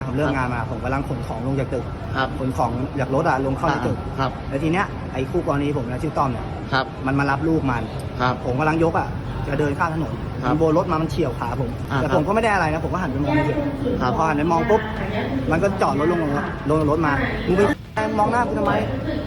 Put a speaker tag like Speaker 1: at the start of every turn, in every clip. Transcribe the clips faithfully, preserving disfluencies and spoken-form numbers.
Speaker 1: ผมเลิกงานมาผมกำลังขนของลงจากตึกขนของจากรถอะลงเข้าในตึกแล้วทีเนี้ยไอ้คู่กรณีผมนะชื่อต้อมเนี่ยมันมารับลูกมันผมกำลังยกอะจะเดินข้ามถนนมันโบนรถมามันเฉี่ยวขาผมแต่ผมก็ไม่ได้อะไรนะผมก็หันไปมองเฉยพอหันไปมองปุ๊บมันก็จอดรถลงลงรถมามึงไปมองหน้ากูทำไม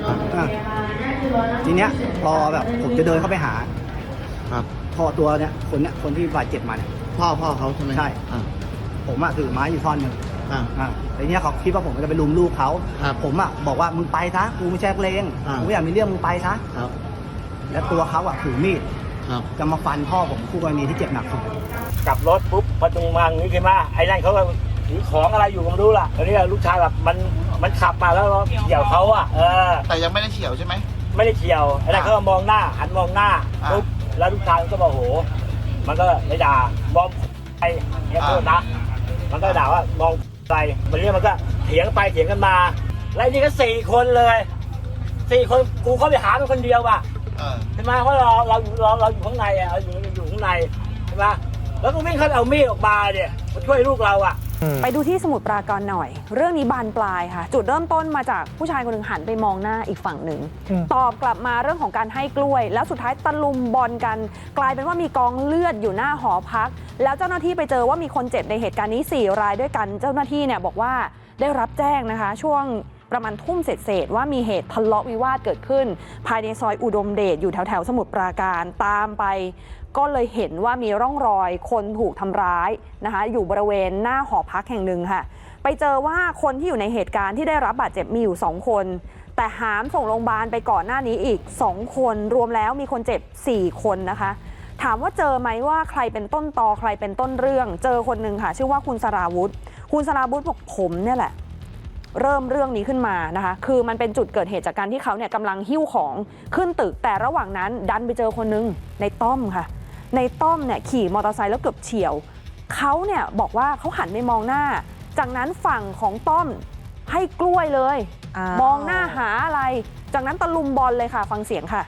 Speaker 1: ทีเนี้ยพอแบบผมจะเดินเข้าไปหาพอตัวเนี้ยคนเนี้ยคนที่บาดเจ็บมาเนี่ย
Speaker 2: พ่อพ่อเขาใช่ไหม
Speaker 1: ใช่ผมอะถือไม้อยู่ท่อนหนึ่งอ่าแต่เนี้ยเขาคิดว่าผมจะไปลุมลูกเขาผมอะบอกว่ามึงไปซะกูไม่ใช่เลงกูไม่อยากมีเรื่องมึงไปซะแล้วตัวเขาอะถือมีดจะมาฟันพ่อผมคู่กรณีที่เจ็บหนักสุด
Speaker 3: กลับรถปุ๊บประตูมังนี่ขึ้นมาไอ้นั่นเขาก็ถือของอะไรอยู่ผมรู้ล่ะตอนนี้ลูกชายแบบมันมันขับมาแล้วเฉี่ยวเขาอะเออ
Speaker 2: แต่ยังไม่ได้เฉี่ยวใช่ไหม
Speaker 3: ไม่ได้เฉี่ยวไอ้นั่นเขามองหน้าหันมองหน้าปุ๊บแล้วลูกชายก็บอกโหมันก็เลยด่ามองไปเนี่ยโทษนะมันก็ด่าว่ามองไปมันเรื่องมันก็เถียงไปเถียงกันมาแล้วนี่ก็สี่คนเลยสี่คนกูเข้าไปหาเป็นคนเดียวว่ะใช่ไหมเพราะเราเราเราเราอยู่ข้างในอ่ะเราอยู่อยู่ข้างในใช่ไหมแล้วก็วิ่งเข้าเอามีดออกมาเนี่ยมาช่วยลูกเราอ่ะ
Speaker 4: ไปดูที่สมุทรปราการหน่อยเรื่องนี้บานปลายค่ะจุดเริ่มต้นมาจากผู้ชายคนหนึ่งหันไปมองหน้าอีกฝั่งหนึ่งตอบกลับมาเรื่องของการให้กล้วยแล้วสุดท้ายตะลุมบอลกันกลายเป็นว่ามีกองเลือดอยู่หน้าหอพักแล้วเจ้าหน้าที่ไปเจอว่ามีคนเจ็บในเหตุการณ์นี้สี่รายด้วยกันเจ้าหน้าที่เนี่ยบอกว่าได้รับแจ้งนะคะช่วงประมาณทุ่มเศษๆว่ามีเหตุทะเลาะวิวาทเกิดขึ้นภายในซอยอุดมเดชอยู่แถวๆสมุทรปราการตามไปก็เลยเห็นว่ามีร่องรอยคนถูกทำร้ายนะคะอยู่บริเวณหน้าหอพักแห่งหนึ่งค่ะไปเจอว่าคนที่อยู่ในเหตุการณ์ที่ได้รับบาดเจ็บมีอยู่สองคนแต่หามส่งโรงพยาบาลไปก่อนหน้านี้อีกสองคนรวมแล้วมีคนเจ็บสี่คนนะคะถามว่าเจอไหมว่าใครเป็นต้นตอใครเป็นต้นเรื่องเจอคนหนึ่งค่ะชื่อว่าคุณสราวุธคุณสราวุธบอกผมเนี่ยแหละเริ่มเรื่องนี้ขึ้นมานะคะคือมันเป็นจุดเกิดเหตุจากการที่เขาเนี่ยกำลังหิ้วของขึ้นตึกแต่ระหว่างนั้นดันไปเจอคนนึงในต้อมค่ะในต้อมเนี่ยขี่มอเตอร์ไซค์แล้วเกือบเฉี่ยวเขาเนี่ยบอกว่าเขาหันไปมองหน้าจากนั้นฝั่งของต้อมให้กล้วยเลยมองหน้าหาอะไรจากนั้นตะลุมบอลเลยค่ะฟังเสียงค่ะ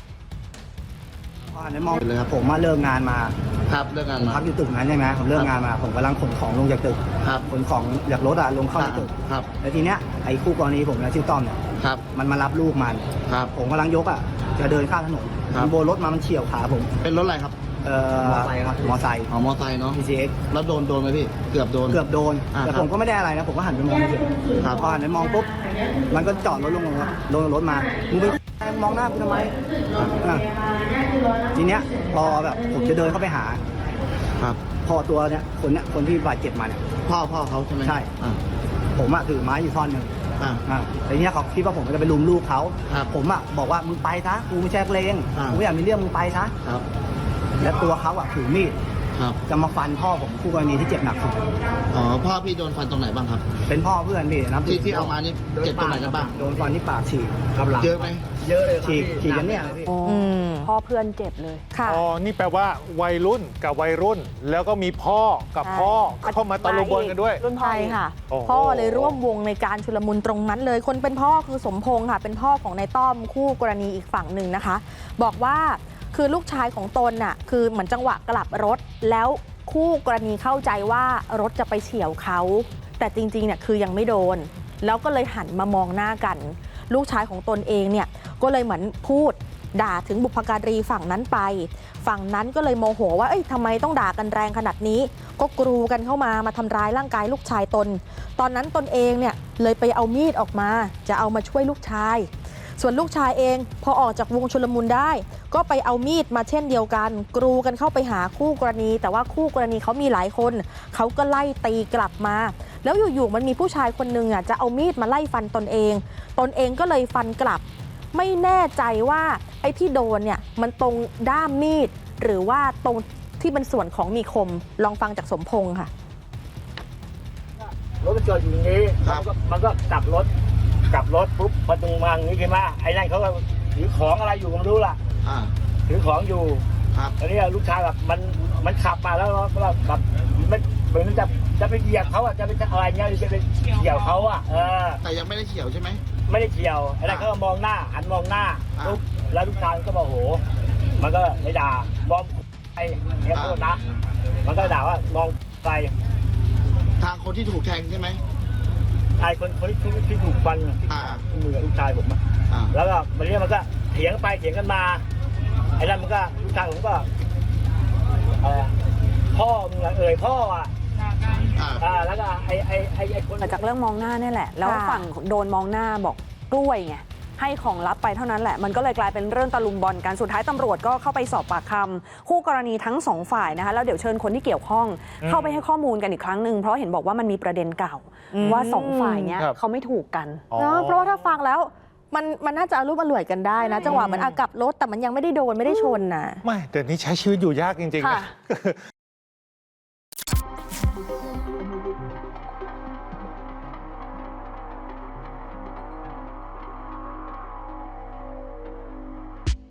Speaker 1: ในมองเลยครับผมมาเลิกงานมา
Speaker 2: ครับเลิกงานมา
Speaker 1: พักอยู่ตึกนั้นใช่ไหมผมเลิกงานมาผมกำลังขนของลงจากตึกขนของจากรถอะลงเข้าในตึกแล้วทีเนี้ยไอ้คู่กรณีผมนะชื่อต้อมเนี่ยมันมารับลูกมันผมกำลังยกอะจะเดินข้ามถนนมันโบนรถมามันเฉี่ยวขาผม
Speaker 2: เป็นรถอะไรครับ
Speaker 1: เอ่อมอไซค์ครับมอไซค์
Speaker 2: อ๋อมอไซค์เนาะ
Speaker 1: พี ซี เอ็กซ์
Speaker 2: แล้วโดนโดนไหมพี่เกือบโดน
Speaker 1: เกือบโดนแต่ผมก็ไม่ได้อะไรนะผมก็หันไปมองเฉยพอหันไปมองปุ๊บมันก็จอดรถลงลงรถมามึงไปมองหน้ากูทำไมทีเนี้ยพอแบบผมจะเดินเข้าไปหาพอตัวเนี้ยคนเนี้ยคนที่บาดเจ็บมาเนี่ย
Speaker 2: พ่อพ่อเขาใช่ไหม
Speaker 1: ใช่ผมอะถือไม้อยู่ท่อนหนึ่งแต่เนี้ยเขาคิดว่าผมจะไปลุมลูกเขาผมอะบอกว่ามึงไปซะกูไม่ใช่เลงกูไม่อยากมีเรื่องมึงไปซะและตัวเขาอะถือมีดจะมาฟันพ่อผมคู่กรณีที่เจ็บหนักสุด
Speaker 2: อ๋อพ่อพี่โดนฟันตรงไหนบ้างครับ
Speaker 1: เป็นพ่อเพื่อนพี่นะ
Speaker 2: ที่ที่เอามานี่เจ็บตรงไหนกันบ้าง
Speaker 1: โดนฟันที่ปากฉีกกับหลัง
Speaker 2: เยอะไหม
Speaker 1: เยอะเลยฉีกฉีกกันเนี่ย
Speaker 4: พ่อเพื่อนเจ็บเลยค่ะ
Speaker 5: อ๋อนี่แปลว่าวัยรุ่นกับวัยรุ่นแล้วก็มีพ่อกับพ่อเข้ามาตะลุมบอลกันด้วย
Speaker 6: รุ่นพ่อค่ะพ่อเลยร่วมวงในการชุลมุนตรงนั้นเลยคนเป็นพ่อคือสมพงษ์ค่ะเป็นพ่อของนายต้อมคู่กรณีอีกฝั่งหนึ่งนะคะบอกว่าคือลูกชายของตนน่ะคือเหมือนจังหวะกลับรถแล้วคู่กรณีเข้าใจว่ารถจะไปเฉี่ยวเขาแต่จริงๆเนี่ยคือยังไม่โดนแล้วก็เลยหันมามองหน้ากันลูกชายของตนเองเนี่ยก็เลยเหมือนพูดด่าถึงบุพการีฝั่งนั้นไปฝั่งนั้นก็เลยโมโหว่าเอ้ยทำไมต้องด่ากันแรงขนาดนี้ก็กรูกันเข้ามามาทำร้ายร่างกายลูกชายตนตอนนั้นตนเองเนี่ยเลยไปเอามีดออกมาจะเอามาช่วยลูกชายส่วนลูกชายเองพอออกจากวงชุลมุนได้ก็ไปเอามีดมาเช่นเดียวกันกรูกันเข้าไปหาคู่กรณีแต่ว่าคู่กรณีเขามีหลายคนเขาก็ไล่ตีกลับมาแล้วอยู่ๆมันมีผู้ชายคนนึงอ่ะจะเอามีดมาไล่ฟันตนเองตนเองก็เลยฟันกลับไม่แน่ใจว่าไอ้ที่โดนเนี่ยมันตรงด้ามมีดหรือว่าตรงที่เป็นส่วนของมีคมลองฟังจากสมพงษ์ค่ะ
Speaker 3: รถมันจอดอยู่อย่างนี้มันก็กลับรถกลับรถปุ๊บประตูมังนี่ขึ้นมาไอ้นั่นเขาก็ถือของอะไรอยู่ผมรู้ล่ะถือของอยู่ตอนนี้ลูกชายแบบมันมันขับมาแล้วเราแบบมันเหมือนจะจะไปเหยียบเขาอ่ะจะไปอะไรเงี้ยจะไปเฉี่ยวเขาอ่ะเออ
Speaker 2: แต่ยังไม่ได้เฉี่ยวใช่ไหม
Speaker 3: ไม่ได้เฉี่ยวไอ้นั่นเขาก็มองหน้าหันมองหน้าปุ๊บแล้วลูกชายก็บอกโหมันก็เลยด่ามองไอ้เนี่ยโทษนะมันก็ด่าว่ามองไป
Speaker 2: ทางคนที่ถูกแทงใช่ไหม
Speaker 3: ชายคนคนที่ที่ถูกฟันที่
Speaker 2: อ่า
Speaker 3: ที่มือลูกชายผมอะ
Speaker 2: อ่า
Speaker 3: แล้วก็มันเรียกมันก็เถียงไปเถียงกันมาไอ้นั่นมันก็ลูกชายผมก็อะไรอะพ่อมึงอะเอ่ยพ่ออ่ะ
Speaker 2: อ่า
Speaker 3: อ่าแล้วก็ไอ้ไอ้ไอ้ไอ้คน
Speaker 4: มาจากเรื่องมองหน้าเนี่ยแหละ แล้ว
Speaker 6: ค่ะ
Speaker 4: ฝั่งโดนมองหน้าบอกกล้วยไงให้ของลับไปเท่านั้นแหละ มันก็เลยกลายเป็นเรื่องตะลุมบอลกันสุดท้ายตำรวจก็เข้าไปสอบปากคำคู่กรณีทั้งสองฝ่ายนะคะแล้วเดี๋ยวเชิญคนที่เกี่ยวข้อง
Speaker 5: อืม
Speaker 4: เข้าไปให้ข้อมูลกันอีกครั้งหนึ่งเพราะเห็นบอกว่ามันมีประเด็นเก่า
Speaker 6: อืม
Speaker 4: ว่าสองฝ่ายเนี้ย
Speaker 5: ครับ
Speaker 4: เขาไม่ถูกกัน
Speaker 5: อ๋อ
Speaker 6: เนอะเพราะว่าถ้าฟังแล้วมันมันน่าจะอารุ่มอร่วยกันได้นะ จังหวะเหมือนอากับรถแต่มันยังไม่ได้โดนไม่ได้ชนนะ
Speaker 5: ไม่แต่นี่ใช้ชีวิตอยู่ยากจริงๆ
Speaker 4: ค่ะ
Speaker 5: นะ